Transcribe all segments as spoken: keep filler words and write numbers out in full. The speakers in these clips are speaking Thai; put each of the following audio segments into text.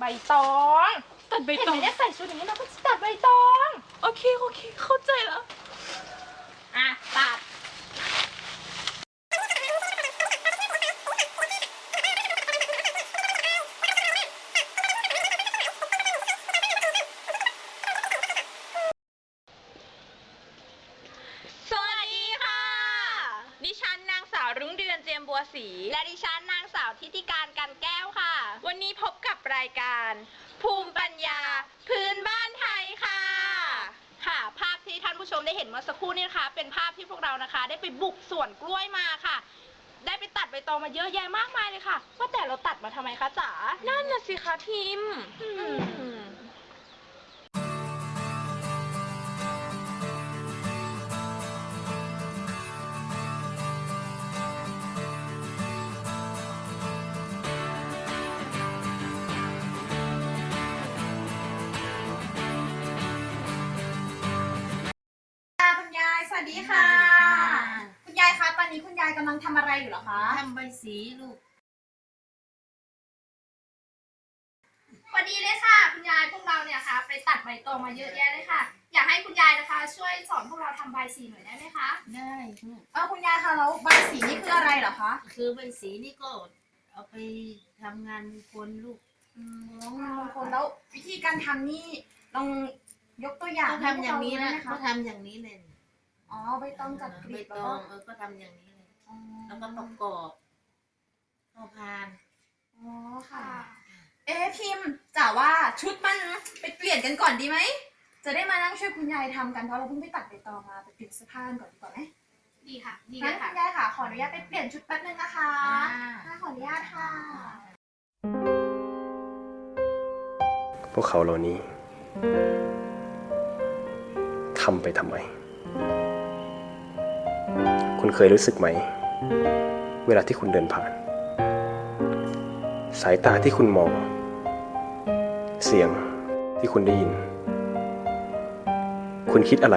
บตองตัดใบตองเห็นไหมเนี่ยใส่ชุดอย่างนี้เราก็ตัดใบตองโอเคโอเคเข้าใจแล้วอ่ะตัดสวัสดีค่ะดิฉันนางสาวรุ้งเดือนเจียมบัวศรีและดิฉันนางสาวทิติการกันแก้วค่ะวันนี้พบกับรายการภูมิปัญญาพื้นบ้านไทยค่ะค่ะภาพที่ท่านผู้ชมได้เห็นเมื่อสักครู่นี้นะคะเป็นภาพที่พวกเรานะคะได้ไปบุกสวนกล้วยมาค่ะได้ไปตัดใบตองมาเยอะแยะมากมายเลยค่ะว่าแต่เราตัดมาทำไมคะจ๋านั่นน่ะสิคะพิมพ์คุณยายสวัสดีค่ะคุณยายคะตอนนี้คุณยายกำลังทำอะไรอยู่เหรอคะทำใบสีลูกสวัสดีเลยค่ะคุณยายพวกเราเนี่ยค่ะไปตัดใบตองมาเยอะแยะเลยค่ะอยากให้คุณยายนะคะช่วยสอนพวกเราทำใบสีหน่อยได้ไหมคะได้ลูกเออคุณยายคะแล้วใบสีนี่คืออะไรเหรอคะคือใบสีนี่ก็เอาไปทำงานคนลูกอืมงานมงคลแล้ววิธีการทำนี่ลองยกตัวอย่างก็ทำอย่างนี้นะก็ก็ทำอย่างนี้เลยอ๋อใบตองจัดกใบลีบตองเออก็ทำอย่างนี้เลยแล้วก็ประกอบเข้าพานอ๋อค่ะเอ๊ะพิมพ์จ๋าว่าชุดมันไปเปลี่ยนกันก่อนดีไหมจะได้มานั่งช่วยคุณยายทำกันเพราะเราเพิ่งไปตัดใบตองมาไปเปลี่ยนเสื้อผ้าก่อนดีกว่าไหมดีค่ะดีเลยค่ะคุณยายค่ะขออนุญาตไปเปลี่ยนชุดแป๊บนึงนะคะขออนุญาตค่ะพวกเขาเหล่านี้ทำไปทำไมคุณเคยรู้สึกไหมเวลาที่คุณเดินผ่านสายตาที่คุณมองเสียงที่คุณได้ยินคุณคิดอะไร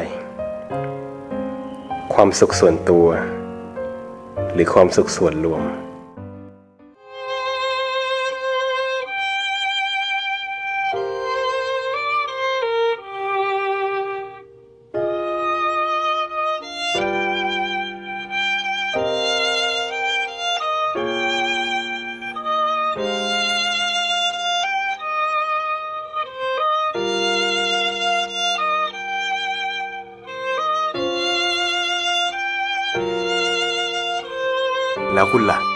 ความสุขส่วนตัวหรือความสุขส่วนรวมแล้วคุณล่ะ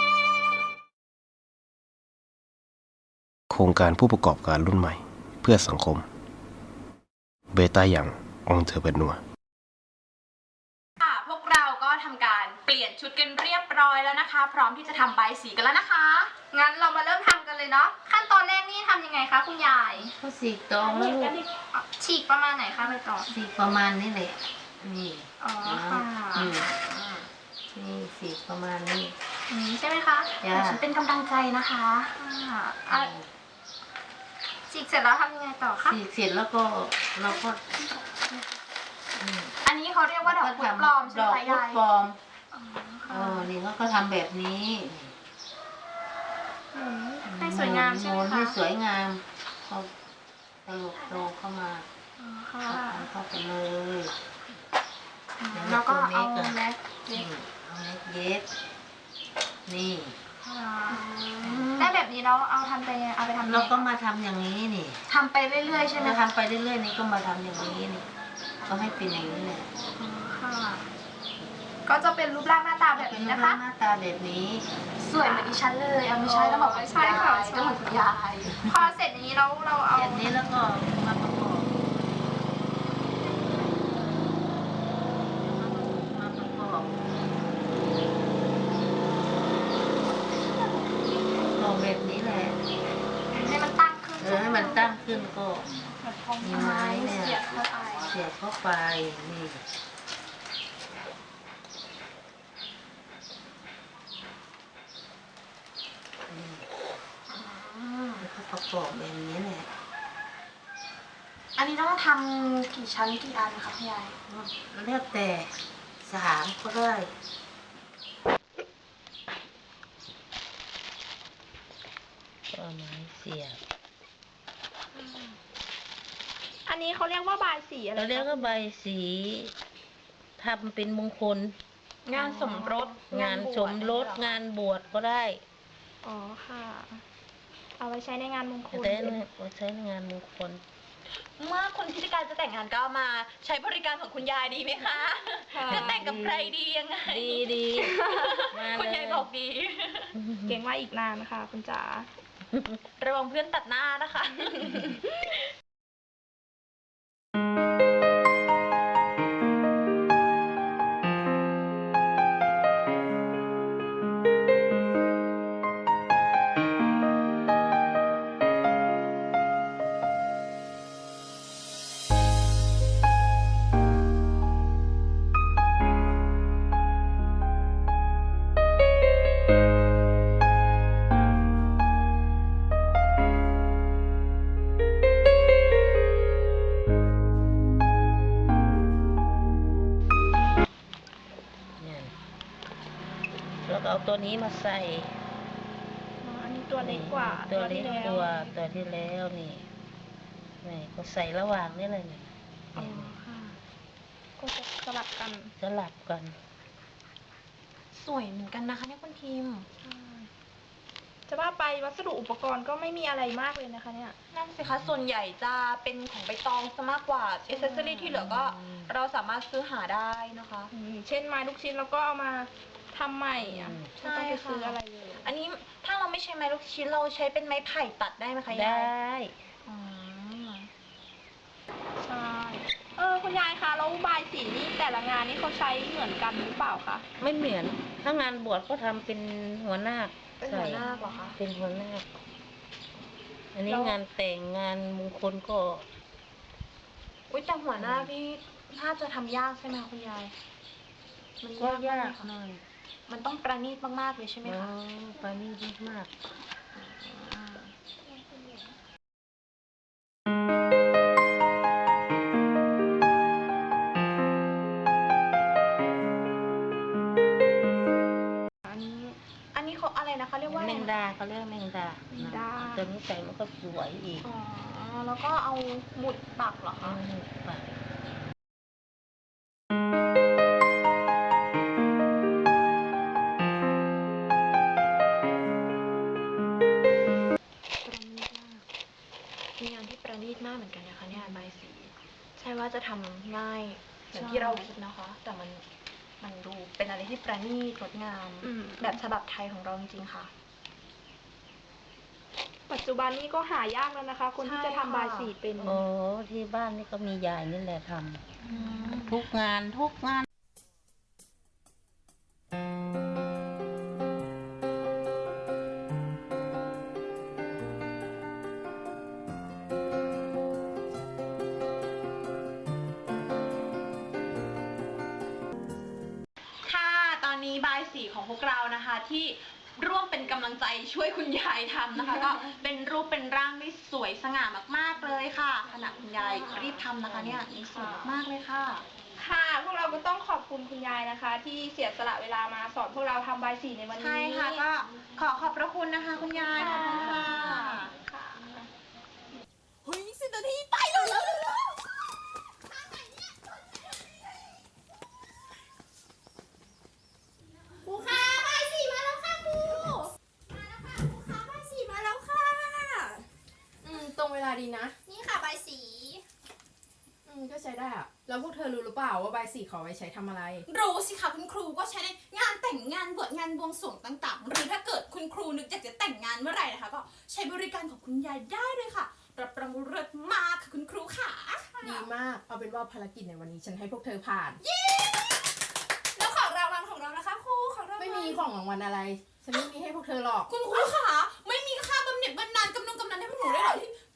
โครงการผู้ประกอบการรุ่นใหม่เพื่อสังคมเบต้าอย่างองเทอร์เปนัวค่ะพวกเราก็ทำการเปลี่ยนชุดกันเรียบร้อยแล้วนะคะพร้อมที่จะทำใบสีกันแล้วนะคะงั้นเรามาเริ่มทำกันเลยเนาะขั้นตอนแรกนี่ทำยังไงคะคุณยายก็สีตองแล้วลูกฉีกประมาณไหนคะใบตองสีประมาณนี้เลยนี่อ๋อค่ะนี่สีประมาณนี้ใช่ไหมคะฉันเป็นกำลังใจนะคะอ่าฉีกเสร็จแล้วทำยังไงต่อคะฉีกเสร็จแล้วก็เราก็อันนี้เขาเรียกว่าดอกพุธปลอมใช่ไหมยายดอกพุธปลอมเออนี่เขาก็ทำแบบนี้ให้สวยงามใช่ไหมคะให้สวยงามเขาตลกโตเข้ามาเข้าไปเลยแล้วก็เอาแม็กเย็บเอาแม็กเย็บนี่ได้แบบนี้เราเอาทำไปเอาไปทำเราก็มาทำอย่างนี้นี่ทำไปเรื่อยๆใช่ไหมทำไปเรื่อยๆนี่ก็มาทำอย่างนี้นี่ก็ให้เป็นอย่างนี้เลยค่ะก็จะเป็นรูปร่างหน้าตาแบบนี้นะคะหน้าตาแบบนี้สวยเหมือนดิฉันเลยเอาไม่ใช่ต้องบอกว่าใช่ค่ะก็เหมือนคุณยายพอเสร็จอย่างนี้เราเราเอาแบบนี้แล้วก็มาประกอบมาประกอบก็แบบนี้แหละให้มันตั้งขึ้นเออให้มันตั้งขึ้นก็มีไม้เนี่ยเสียบเข้าไปเสียบเข้าไปนี่ประกอบแบบนี้แหละอันนี้ต้องทำกี่ชั้นกี่อันคะพี่ยายเลือกแต่สามก็ได้ก็ไม้เสียบนนี้เขาเรียกว่าบายสีอะไรเราเรียกว่าใบสีทำเป็นมงคลงานสมรสงานสมรสงานบวชก็ได้อ๋อค่ะ เอาไว้ใช้ในงานมงคลแต่เนี่ยใช้ในงานมงคลเมื่อคุณพิธีการจะแต่งงานก็มาใช้บริการของคุณยายดีไหมคะ จะแต่งกับใครดียังไงดีดีมาเลยคุณยายบอกดี เก่งว่าอีกนานนะคะคุณจ๋า ระวังเพื่อนตัดหน้านะคะเนี่ยแล้วก็เอาตัวนี้มาใส่อ๋อ อันนี้ตัวเล็กกว่าตัวเล็กที่แตัวตัวที่แล้วนี่นี่ก็ใส่ระหว่างนี่เลยเนี่ยอ๋อค่ะ ก็จะสลับกันสลับกันสวยเหมือนกันนะคะเนี่ยคุณทีมจะว่าไปวัสดุอุปกรณ์ก็ไม่มีอะไรมากเลยนะคะเนี่ย นั่นสิคะ ส่วนใหญ่จะเป็นของใบตองซะมากกว่าเอเซสซอรี่ที่เหลือก็เราสามารถซื้อหาได้นะคะ เช่นไม้ลูกชิ้นเราก็เอามาทำใหม่อ่ะอืมไม่ต้องไปซื้ออะไรเลย อันนี้ถ้าเราไม่ใช้ไม้ลูกชิ้นเราใช้เป็นไม้ไผ่ตัดได้ไหมคะไดยาย้อ๋อใช่ เออคุณยายคะแล้วบายสีนี่แต่ละงานนี่เขาใช้เหมือนกันหรือเปล่าคะไม่เหมือน ถ้างานบวชก็ทำเป็นหัวนาคเป็นหัวหน้าเหรอคะเป็นหัวนาคอันนี้แล้วงานแต่งงานมงคลก็อุ้ยแต่หัวหน้านี่น่าจะทำยากใช่ไหมคะคุณยาย มันก็ยากยามากกหน่อยมันต้องประณีตมากๆเลยใช่ไหมอ๋อคะปานี่ดีมากอันนี้ อันนี้เขาอะไรนะคะ เรียกว่าแมงดาเขาเรียกแมงดาแมงดาตัวนี้ใส่มันก็สวยอีกอ๋อ แล้วก็เอาหมุดปักเหรออืคะมปากประณีตมากมีงานที่ประณีตมากเหมือนกันนะคะเนี่ยใบายสี ใช่ว่าจะทำง่ายเหมือนที่เราคิดนะคะ แต่มันมันดูเป็นอะไรที่ประณีตงดงาม แบบฉบับไทยของเราจริงๆค่ะ ปัจจุบันนี้ก็หายากแล้วนะคะ คนที่จะทำบายสีเป็นโอ้ที่บ้านนี่ก็มียายนี่แหละทำทุกงานทุกงานค่ะ ตอนนี้บายสีของพวกเรานะคะ ที่ร่วมเป็นกำลังใจช่วยคุณยายทำนะคะ ก็เป็นรูปเป็นร่างที่สวยสง่ามากๆเลยค่ะขณะคุณยายรีบทำนะคะเนี่ยนี่สวยมากๆเลยค่ะ ค่ะ พวกเราก็ต้องขอบคุณคุณยายนะคะ ที่เสียสละเวลามาสอนพวกเราทำบายสีในวันนี้ ใช่ค่ะ ก็ขอขอบพระคุณนะคะคุณยายขอบคุณค่ะค่ะเฮ้ยสิบนาทีไปเลยแล้วครูคะใบสีมาแล้วค่ะครูมาแล้วค่ะครูคะใบสีมาแล้วค่ะอืมตรงเวลาดีนะนี่ค่ะใบสีอืมก็ใช้ได้อะแล้วพวกเธอรู้หรือเปล่าว่าใบสีเขาไว้ใช้ทำอะไรรู้สิคะคุณครูก็ใช้ในงานแต่งงานบวชงานบวงสรวงต่างๆ หรือถ้าเกิดคุณครูนึกอยากจะแต่งงานเมื่อไหร่นะคะ ก็ใช้บริการของคุณยายได้เลยค่ะรับรองเลิศมากค่ะคุณครูค่ะดีมาก เอาเป็นว่าภารกิจในวันนี้ฉันให้พวกเธอผ่านแล้วของรางวัลของเรานะคะครูของรางวัลไม่มีของรางวัลอะไร ฉันไม่มีให้พวกเธอหรอกคุณครูค่ะไม่มีค่าบำเหน็จบำนาญกำนงกำนันให้พวกหนูได้เหรอที่